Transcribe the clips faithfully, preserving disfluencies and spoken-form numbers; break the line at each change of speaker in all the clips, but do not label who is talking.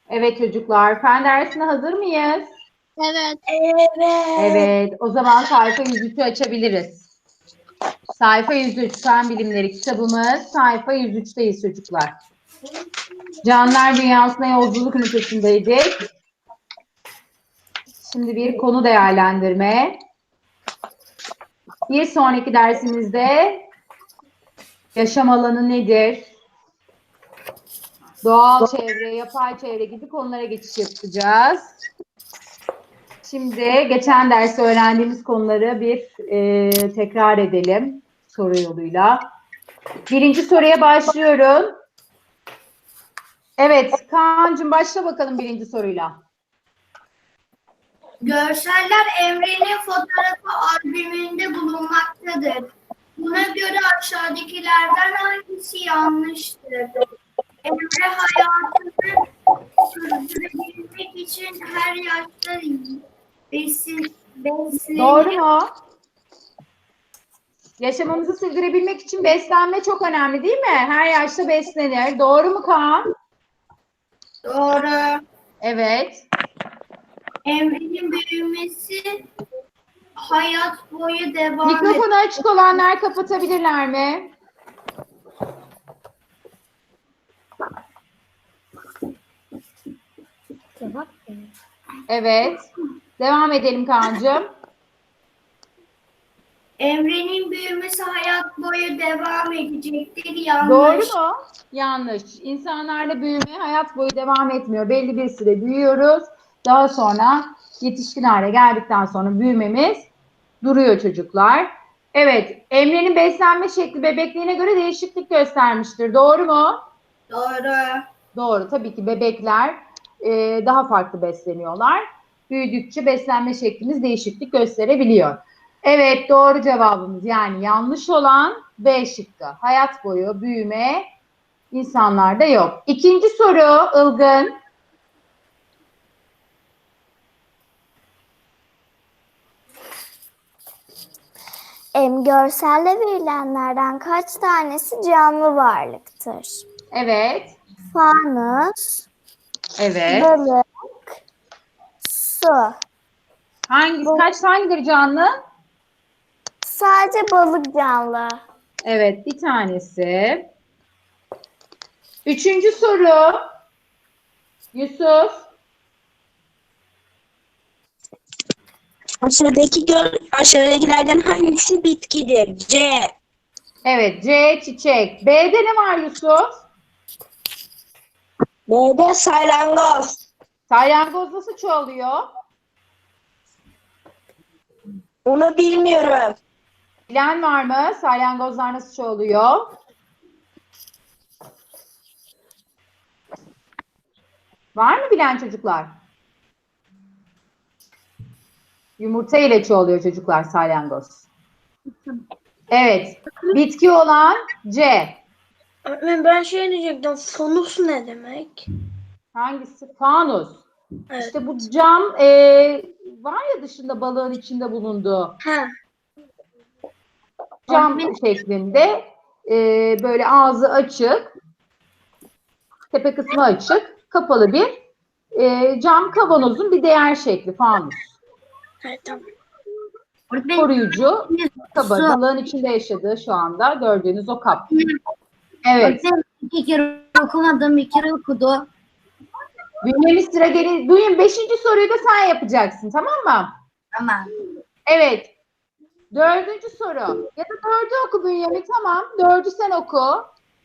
Evet çocuklar, fen dersine hazır mıyız?
Evet.
Evet.
Evet, o zaman sayfa yüz üçü açabiliriz. Sayfa yüz üç, Fen Bilimleri kitabımız. Sayfa yüz üçteyiz çocuklar. Canlılar Dünyası'na yolculuk ünitesindeydik. Şimdi bir konu değerlendirme. Bir sonraki dersimizde yaşam alanı nedir? Doğal çevre, yapay çevre gibi konulara geçiş yapacağız. Şimdi geçen derste öğrendiğimiz konuları bir e, tekrar edelim soru yoluyla. Birinci soruya başlıyorum. Evet, Kaan'cığım başla bakalım birinci soruyla.
Görseller Emre'nin fotoğrafı albümünde bulunmaktadır. Buna göre aşağıdakilerden hangisi yanlıştır? Emre hayatını sürdürebilmek için her yaşta besin, beslenir.
Doğru mu? Yaşamamızı sürdürebilmek için beslenme çok önemli değil mi? Her yaşta beslenir. Doğru mu Kaan?
Doğru.
Evet.
Emre'nin büyümesi hayat boyu devam eder.
Mikrofonu açık olanlar kapatabilirler mi? Evet. Devam edelim Kaan'cığım.
Emre'nin büyümesi hayat boyu devam edecektir. Yanlış.
Doğru mu? Yanlış. İnsanlarla büyüme hayat boyu devam etmiyor. Belli bir süre büyüyoruz. Daha sonra yetişkin hale geldikten sonra büyümemiz duruyor çocuklar. Evet. Emre'nin beslenme şekli bebekliğine göre değişiklik göstermiştir. Doğru mu?
Doğru.
Doğru. Tabii ki bebekler e, daha farklı besleniyorlar. Büyüdükçe beslenme şeklimiz değişiklik gösterebiliyor. Evet, doğru cevabımız yani yanlış olan B şıkkı. Hayat boyu büyüme insanlarda yok. İkinci soru Ilgın.
Em, görselde verilenlerden kaç tanesi canlı varlıktır?
Evet.
Fanus,
Evet.
balık, su.
Hangisi, kaç hangileri canlı?
Sadece balık canlı.
Evet, bir tanesi. Üçüncü soru. Yusuf.
Aşağıdaki gör, aşağıdakilerden hangisi bitkidir? C.
Evet, C çiçek. B'de ne var Yusuf?
B'de salyangoz.
Salyangoz nasıl çoğalıyor?
Onu bilmiyorum.
Bilen var mı? Salyangozlar nasıl çoğalıyor? Var mı bilen çocuklar? Yumurta ile çoğalıyor çocuklar salyangoz. Evet. Bitki olan C.
Öğretmenim ben şey diyecektim. Fanus ne demek?
Hangisi? Fanus.
Evet.
İşte bu cam e, var ya dışında balığın içinde bulunduğu
Ha.
cam şeklinde e, böyle ağzı açık, tepe kısmı açık, kapalı bir e, cam kavanozun bir diğer şekli fanus.
Evet, tamam.
Koruyucu kabı. Balığın içinde yaşadığı şu anda gördüğünüz o kap. Evet.
İki kere okumadım, bir kere okudu.
Bünyemiz sıra gelin. Bugün beşinci soruyu da sen yapacaksın, tamam mı?
Tamam.
Evet. Dördüncü soru. Ya da dördü oku Bünyamin, tamam. Dördü sen oku.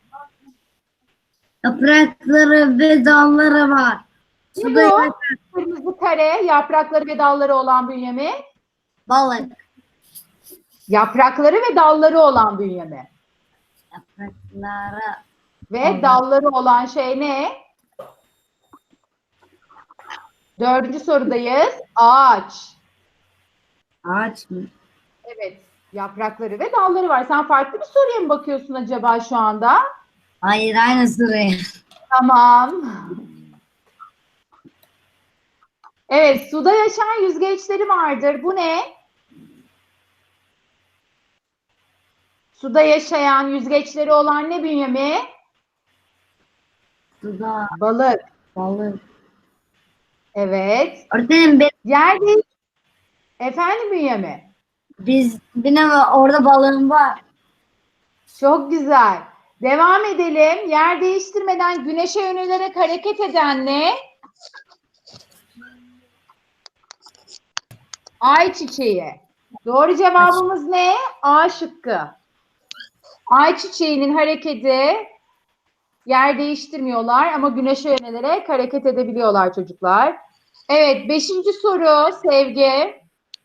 Yaprakları ve dalları var.
Ne bu? Kırmızı kare, yaprakları ve dalları olan Bünyamin.
Balık.
Yaprakları ve dalları olan Bünyamin.
Yaprakları.
Ve dalları olan şey ne? Dördüncü sorudayız. Ağaç.
Ağaç mı?
Evet. Yaprakları ve dalları var. Sen farklı bir soruya mı bakıyorsun acaba şu anda?
Hayır, aynı sıraya.
Tamam. Evet, suda yaşayan yüzgeçleri vardır. Bu ne? Suda yaşayan yüzgeçleri olan ne Bünyamin?
Suda
Balık.
balık.
Evet.
Öğretmenim be-
Yer değiş... Efendim Bünyamin?
biz benim orada balığım var.
Çok güzel. Devam edelim. Yer değiştirmeden güneşe yönelerek hareket eden ne? Ay çiçeği. Doğru cevabımız ne? A şıkkı. Ay çiçeğinin hareketi yer değiştirmiyorlar ama güneşe yönelerek hareket edebiliyorlar çocuklar. Evet, beşinci soru Sevgi.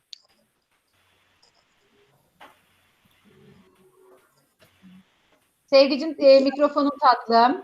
Sevgicim e, mikrofonun tatlım.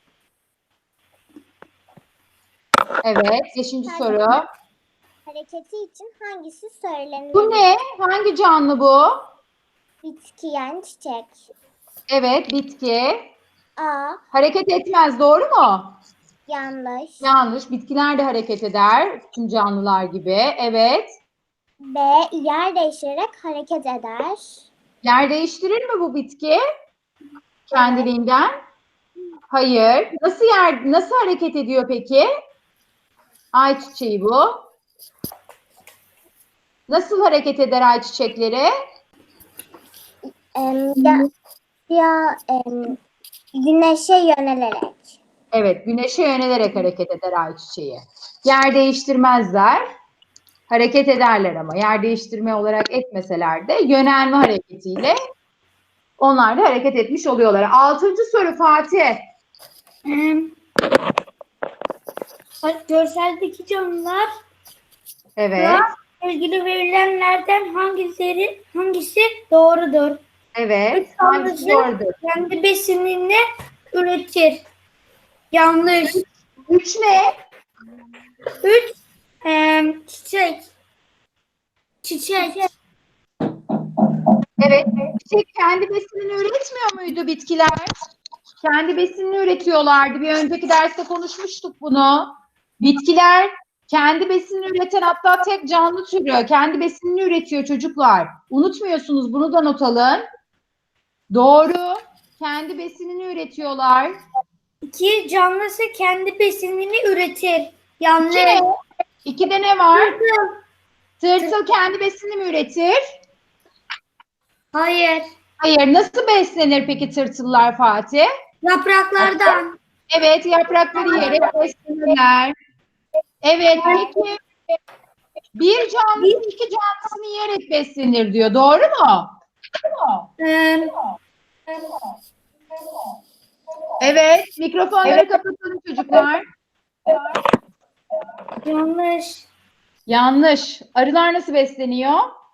Evet, beşinci soru.
Hareketi için hangisi söylenir?
Bu ne? Hangi canlı bu?
Bitki yani çiçek.
Evet, bitki.
A.
Hareket etmez, doğru mu?
Yanlış.
Yanlış. Bitkiler de hareket eder. Tüm canlılar gibi. Evet.
B. Yer değiştirerek hareket eder.
Yer değiştirir mi bu bitki? Kendiliğinden? Hayır. Nasıl yer, nasıl hareket ediyor peki? Ayçiçeği bu. Nasıl hareket eder ayçiçekleri?
Em, ya, ya em, güneşe yönelerek.
Evet, güneşe yönelerek hareket eder ayçiçeği. Yer değiştirmezler. Hareket ederler ama yer değiştirme olarak etmeseler de yönelme hareketiyle onlar da hareket etmiş oluyorlar. Altıncı soru Fatih.
Görseldeki canlılar
Evet,
ilgili verilenlerden hangileri hangisi doğrudur?
evet.
Üç
Hangisi
canlısı
doğrudur?
kendi besinini üretir. Yanlış.
Üç ne?
Üç em, çiçek. Çiçek.
Evet, çiçek kendi besinini üretmiyor muydu bitkiler? Kendi besinini üretiyorlardı. Bir önceki derste konuşmuştuk bunu. Bitkiler kendi besinini üreten hatta tek canlı türü. Kendi besinini üretiyor çocuklar. Unutmuyorsunuz, bunu da not alın. Doğru. Kendi besinini üretiyorlar.
İki canlısı kendi besinini üretir. Yanlış.
İki ne? İkide ne var?
Tırtıl.
Tırtıl kendi besinini mi üretir?
Hayır.
Hayır. Nasıl beslenir peki tırtıllar Fatih?
Yapraklardan.
Evet, yaprakları yiyerek beslenirler. Evet, peki bir canlı iki canlısını yiyerek beslenir diyor. Doğru mu?
Em,
Evet, mikrofonları kapatalım çocuklar.
yanlış.
Yanlış. Arılar nasıl besleniyor?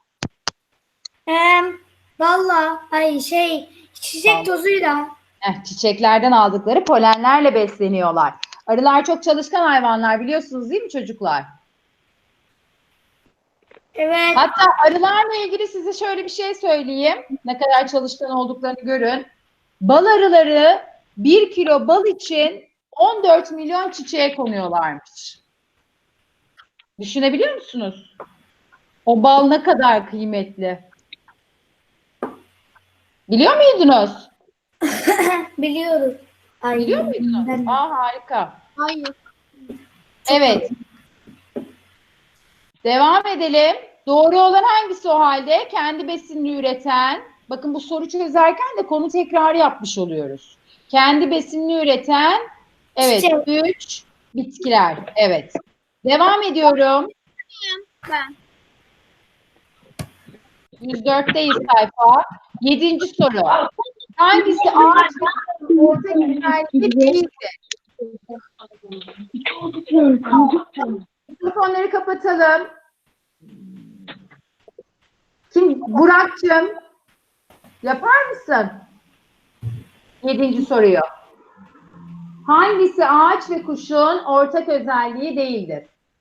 Em, valla ay şey çiçek tozuyla.
Eh, çiçeklerden aldıkları polenlerle besleniyorlar. Arılar çok çalışkan hayvanlar biliyorsunuz değil mi çocuklar?
Evet.
Hatta arılarla ilgili size şöyle bir şey söyleyeyim. Ne kadar çalışkan olduklarını görün. Bal arıları bir kilo bal için on dört milyon çiçeğe konuyorlarmış. Düşünebiliyor musunuz? O bal ne kadar kıymetli? Biliyor muydunuz?
Biliyoruz. Ay,
Biliyor muydunuz?
ben-
Aa harika.
Hayır.
Evet. Devam edelim. Doğru olan hangisi o halde? Kendi besinini üreten. Bakın bu soru çözerken de konu tekrarı yapmış oluyoruz. Kendi besinini üreten. Evet.
Çiçek.
Üç. Bitkiler. Evet. Devam ediyorum.
Ben.
yüz dörtteyiz sayfa. Yedinci soru. Hangisi ağaç ve orta güzelliği değildir? Mikrofonları kapatalım. Kim? Burak'cığım. Yapar mısın? Yedinci soruyu. Hangisi ağaç ve kuşun ortak özelliği değildir?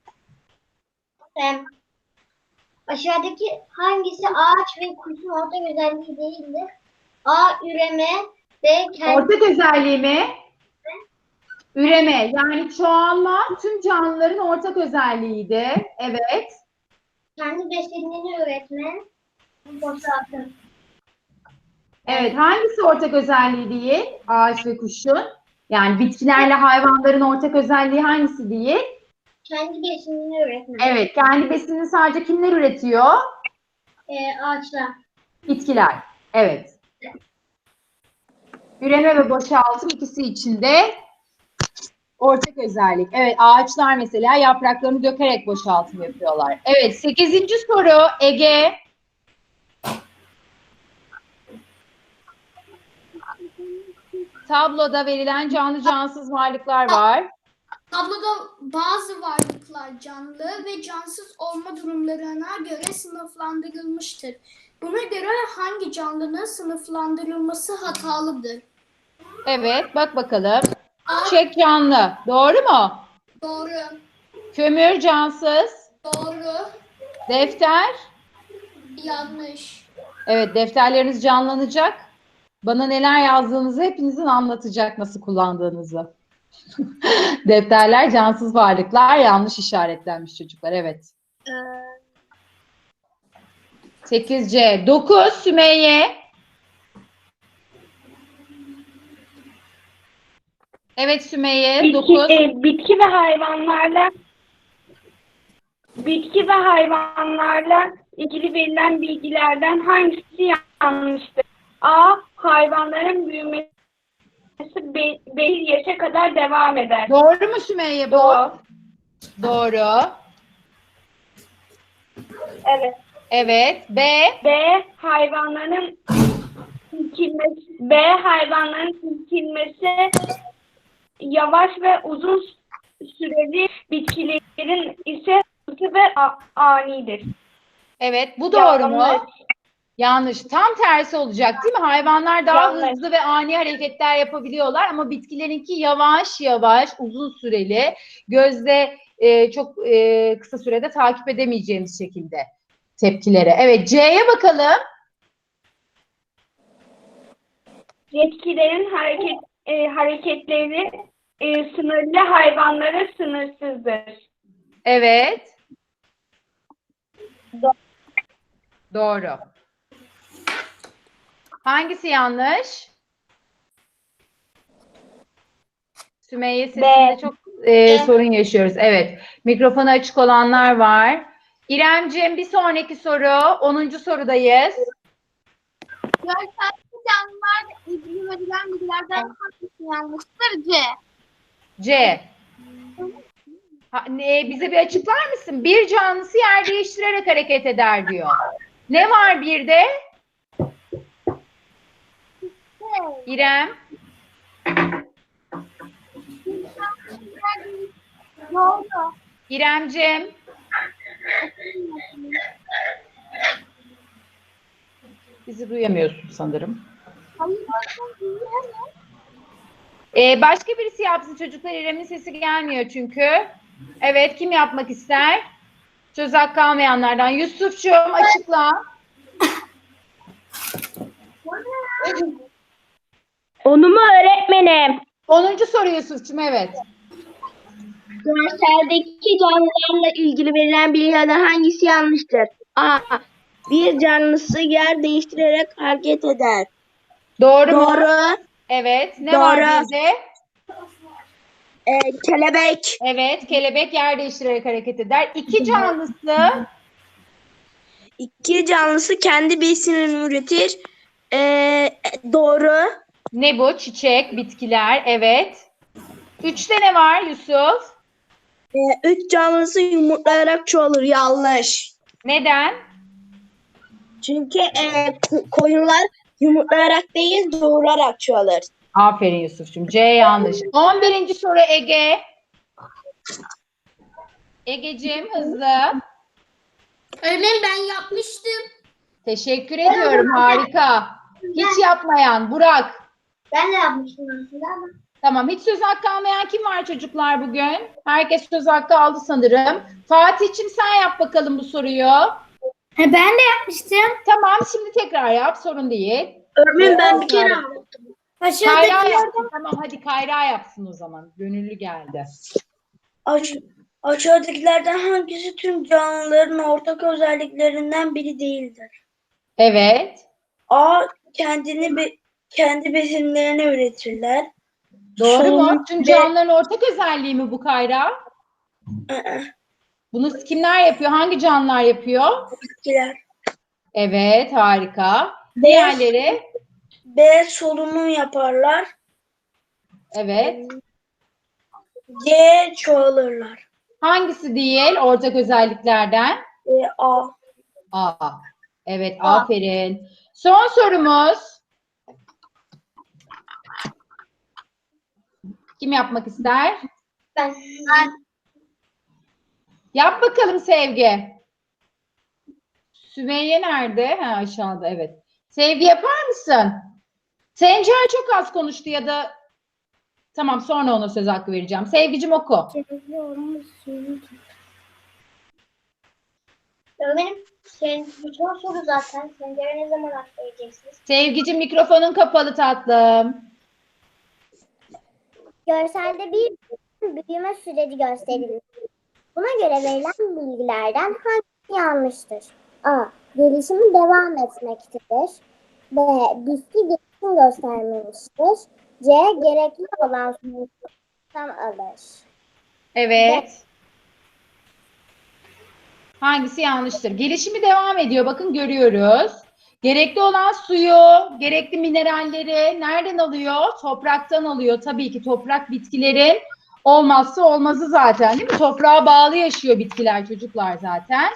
Em, Aşağıdaki hangisi ağaç ve kuşun ortak özelliği değildir? A. Üreme. B. Kendi
Ortak özelliği mi? Üreme. Yani çoğalma tüm canlıların ortak özelliğiydi. Evet.
kendi besinini üretme. Fotoğrafı.
Evet. Hangisi ortak özelliği değil? Ağaç ve kuşun. Yani bitkilerle hayvanların ortak özelliği hangisi değil?
Kendi besinini üretmek.
Evet, kendi besinini sadece kimler üretiyor?
Ee, ağaçlar.
Bitkiler. Evet. Üreme ve boşaltım ikisi içinde ortak özellik. Evet, ağaçlar mesela yapraklarını dökerek boşaltım yapıyorlar. Evet, sekizinci soru Ege. Tabloda verilen canlı cansız varlıklar var.
Tabloda bazı varlıklar canlı ve cansız olma durumlarına göre sınıflandırılmıştır. Buna göre hangi canlının sınıflandırılması hatalıdır?
Evet, bak bakalım. Çiçek canlı. Doğru mu?
Doğru.
Kömür cansız.
Doğru.
Defter.
Yanlış.
Evet, defterleriniz canlanacak. Bana neler yazdığınızı hepinizin anlatacak, nasıl kullandığınızı. Defterler cansız varlıklar, yanlış işaretlenmiş çocuklar. Evet. sekiz C. dokuz Sümeyye. Evet Sümeyye.
Bitki,
dokuz.
e, bitki ve hayvanlarla bitki ve hayvanlarla ilgili verilen bilgilerden hangisi yanlıştır? A. Hayvanların büyümesi be- belli yaşa kadar devam eder.
Doğru mu Sümeyye bu?
Doğru.
Doğru.
Evet.
Evet. B.
B. Hayvanların silkinmesi, B. Hayvanların silkinmesi yavaş ve uzun süreli, bitkilerin ise hızlı ve a- anidir.
Evet. Bu doğru mu?
Yanlış.
Yanlış. Tam tersi olacak değil mi? Hayvanlar daha
Yanlış.
hızlı ve ani hareketler yapabiliyorlar ama bitkilerinki yavaş yavaş, uzun süreli, gözde e, çok e, kısa sürede takip edemeyeceğimiz şekilde tepkileri. Evet, C'ye bakalım.
Bitkilerin hareket e, hareketleri e, sınırlı, hayvanlara sınırsızdır.
Evet. Doğru. Hangisi yanlış? Sümeyye sesinde
B.
çok e, sorun yaşıyoruz. Evet. Mikrofonu açık olanlar var. İremciğim bir sonraki soru. onuncu sorudayız.
Görselli canlılarla ilgili verilen bilgilerden hangisi yanlıştır? C.
C. Ha, ne, bize bir açıklar mısın? Bir canlısı yer değiştirerek hareket eder diyor. Ne var bir de? İrem.
Doğru.
İremciğim. Bizi duyamıyorsun sanırım.
Hayır, değil mi?
Ee, başka birisi yapsın çocuklar. İrem'in sesi gelmiyor çünkü. Evet, kim yapmak ister? Söz hakkı almayanlardan. Yusuf'cuğum açıkla.
Onu mu öğretmenim?
onuncu soru Yusuf'cum, evet.
Görseldeki canlılarla ilgili verilen bilgilerden hangisi yanlıştır? A. Bir canlısı yer değiştirerek hareket eder.
Doğru, mu?
Doğru.
Evet. Ne
Doğru.
var bizde?
Ee, kelebek.
Evet, kelebek yer değiştirerek hareket eder. İki canlısı.
İki canlısı kendi besinini üretir. Ee, doğru.
Ne bu? Çiçek, bitkiler. Evet. Üçte ne var Yusuf?
Ee, üç canlısı yumurtlayarak çoğalır. Yanlış.
Neden?
Çünkü e, ko- koyunlar yumurtlayarak değil doğurarak çoğalır.
Aferin Yusuf'cum. C yanlış. on birinci soru Ege. Egeciğim hızlı.
Öğretmenim ben yapmıştım.
Teşekkür ediyorum. Harika. Hiç yapmayan Burak.
Ben de yapmıştım aslında ama.
Tamam. Hiç söz hakkı almayan kim var çocuklar bugün? Herkes söz hakkı aldı sanırım. Fatih'cim sen yap bakalım bu soruyu.
He, ben de yapmıştım.
Tamam. Şimdi tekrar yap. Sorun değil.
Örneğin ben bir kere
Kayra
Aşağıdaki
yapsın. Tamam hadi Kayra yapsın o zaman. Gönüllü geldi.
Aş aşağıdakilerden hangisi tüm canlıların ortak özelliklerinden biri değildir?
Evet.
A. Kendini be kendi besinlerini üretirler.
Doğru mu?
Solunum
Tüm
ve-
canlıların ortak özelliği mi bu Kayra?
Aa,
Bunu kimler yapıyor? Hangi canlılar yapıyor?
bitkiler.
Evet, harika. Diğerleri?
B. Solunum yaparlar.
Evet.
C. Çoğalırlar.
Hangisi değil ortak özelliklerden?
E, A.
A. Evet, aferin. Son sorumuz. Kim yapmak ister?
Ben.
Yap bakalım Sevgi. Sümeyye nerede? Ha, aşağıda, evet. Sevgi yapar mısın? Sencer çok az konuştu ya da tamam, sonra ona söz hakkı vereceğim. Sevgicim oku.
Öğretmenim senin bütün soru zaten. Sencer'e ne zaman hak vereceksiniz?
Sevgicim mikrofonun kapalı tatlım.
Görselde bir büyüme süreci gösterilmiş. Buna göre verilen bilgilerden hangisi yanlıştır? A. Gelişimi devam etmektedir. B. Bitki gelişim göstermemiştir. C. Gerekli olan sonuçtan alır.
Evet. Hangisi yanlıştır? Gelişimi devam ediyor. Bakın görüyoruz. Gerekli olan suyu, gerekli mineralleri nereden alıyor? Topraktan alıyor. Tabii ki toprak bitkilerin olmazsa olmazı zaten, değil mi? Toprağa bağlı yaşıyor bitkiler, çocuklar zaten.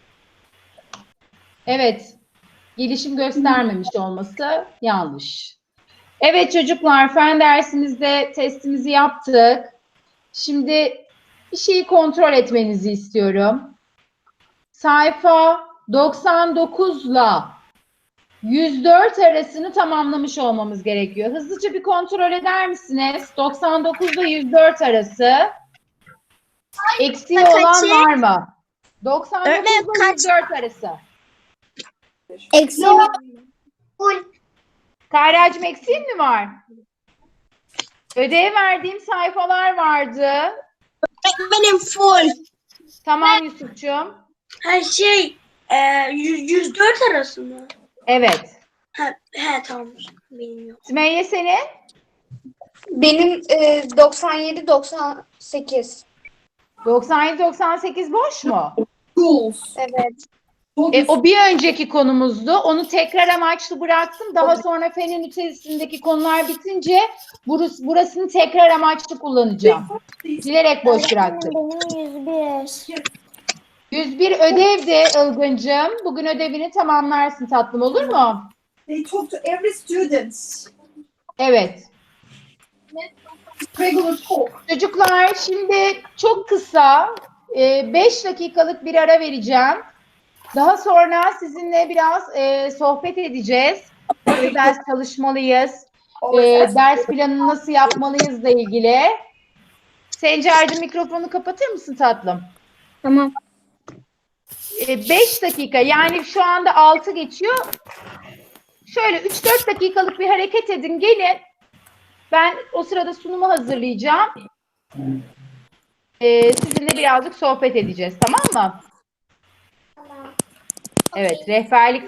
Evet. Gelişim göstermemiş olması yanlış. Evet çocuklar, fen dersimizde testimizi yaptık. Şimdi bir şeyi kontrol etmenizi istiyorum. Sayfa doksan dokuz ile yüz dört arasını tamamlamış olmamız gerekiyor. Hızlıca bir kontrol eder misiniz? doksan dokuz ile yüz dört arası. Eksiği olan var mı? doksan dokuz ile yüz dört arası.
Eksiğim
Full.
Kayracığım, eksiğin mi var? Ödev verdiğim sayfalar vardı.
Benim full.
Tamam Yusuf'cuğum.
Her şey e, yüz, yüz dört arası mı?
Evet.
Ha, he tamam. Bilmiyorum.
Sümeyye senin?
Benim e, doksan yedi doksan sekiz.
doksan yedi doksan sekiz boş mu?
Evet.
E, o bir önceki konumuzdu. Onu tekrar amaçlı bıraktım. Daha sonra fenin içerisindeki konular bitince burası, burasını tekrar amaçlı kullanacağım. Bilerek boş bıraktım.
benim yüz bir.
yüz bir ödevdi Ilgıncığım. Bugün ödevini tamamlarsın tatlım, olur mu?
They talk to every student.
Evet.
Regular talk.
Çocuklar şimdi çok kısa beş dakikalık bir ara vereceğim. Daha sonra sizinle biraz e, sohbet edeceğiz. Nasıl ders çalışmalıyız? E, ders planını nasıl yapmalıyızla ilgili. Sencer'cim mikrofonu kapatır mısın tatlım?
Tamam.
E, beş dakika, yani şu anda altı geçiyor. Şöyle üç dört dakikalık bir hareket edin, gelin. Ben o sırada sunumu hazırlayacağım. E, sizinle birazcık sohbet edeceğiz, tamam mı? Evet, rehberlik